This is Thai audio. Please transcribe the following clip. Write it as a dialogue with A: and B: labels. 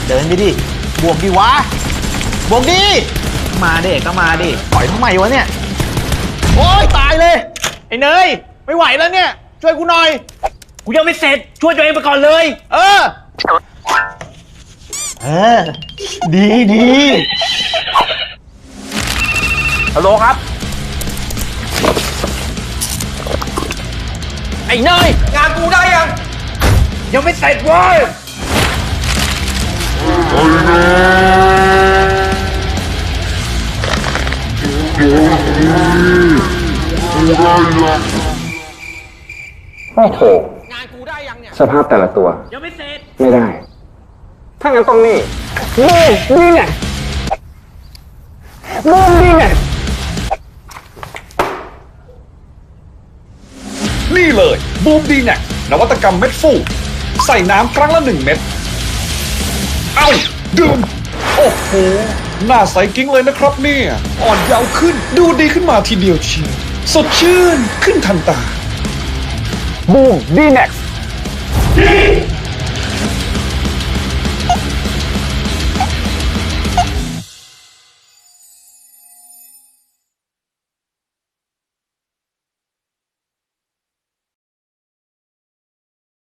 A: เดินไปดิบวกดิวะบวกดิมาดิก็มาดิปล่อยทำไมวะเนี่ยโอ๊ยตายเลยไอ้เนยไม่ไหวแล้วเนี่ยช่วยกูหน่อยกูยังไม่เสร็จช่วยตัวเองไปก่อนเลยเออดีฮัลโหลครับไอ้เนยงานกูได้ยังไม่เสร็จเว้ย
B: โอ้โหงานกูได้ยังเนี่ยสภาพแต่ละตัวยังไม่เสร็จไม่ได้ถ้างั้นต้องนี่ไง
C: นี่เลยบูมดีแน็กนวัตกรรมเม็ดฟูใส่น้ำครั้งละ1 เม็ดเอ้าดื่มโอ้โหหน้าใสกิ้งเลยนะครับเนี่ยอ่อนเยาว์ขึ้นดูดีขึ้นมาทีเดียวเชียวสดชื่นขึ้นทันตา
B: บูมดีแน็ก